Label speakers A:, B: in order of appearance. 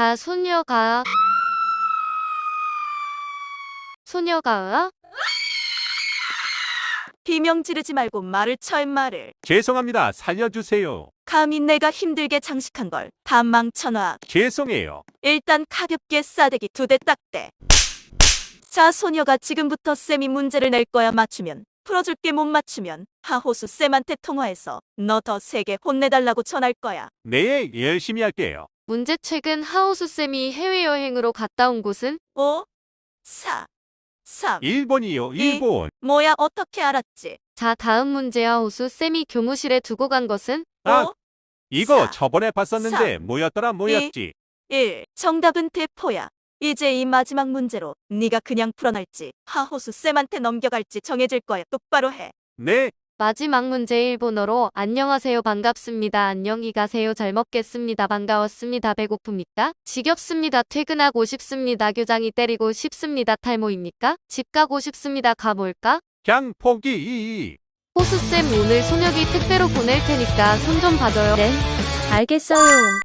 A: 자, 소녀가
B: 비명 지르지 말고 말을 쳐 말을.
C: 죄송합니다. 살려주세요.
B: 감히 내가 힘들게 장식한 걸 다 망쳐놔.
C: 죄송해요.
B: 일단 가볍게 싸대기 2대 딱대. 자, 소녀가 지금부터 쌤이 문제를 낼 거야. 맞추면 풀어줄게. 못 맞추면 하호수 쌤한테 통화해서 너 더 세게 혼내달라고 전할 거야.
C: 네, 열심히 할게요.
A: 문제. 최근 하오수 쌤이 해외여행으로 갔다 온 곳은?
B: 5, 4, 3.
C: 일본이요, 일본.
B: 뭐야, 어떻게 알았지?
A: 자, 다음 문제. 하오수 쌤이 교무실에 두고 간 것은?
C: 아,
B: 5,
C: 이거
B: 4,
C: 저번에 봤었는데
B: 3,
C: 뭐였지?
B: 1. 정답은 대포야. 이제 이 마지막 문제로 네가 그냥 풀어낼지 하호수 쌤한테 넘겨갈지 정해질 거야. 똑바로 해.
C: 네,
A: 마지막 문제. 일본어로 안녕하세요, 반갑습니다, 안녕히 가세요, 잘 먹겠습니다, 반가웠습니다, 배고픕니까? 지겹습니다, 퇴근하고 싶습니다, 교장이 때리고 싶습니다, 탈모입니까? 집 가고 싶습니다, 가볼까?
C: 그냥 포기.
A: 호수쌤, 오늘 소녀기 택배로 보낼 테니까 손 좀 봐줘요.
D: 네, 알겠어요.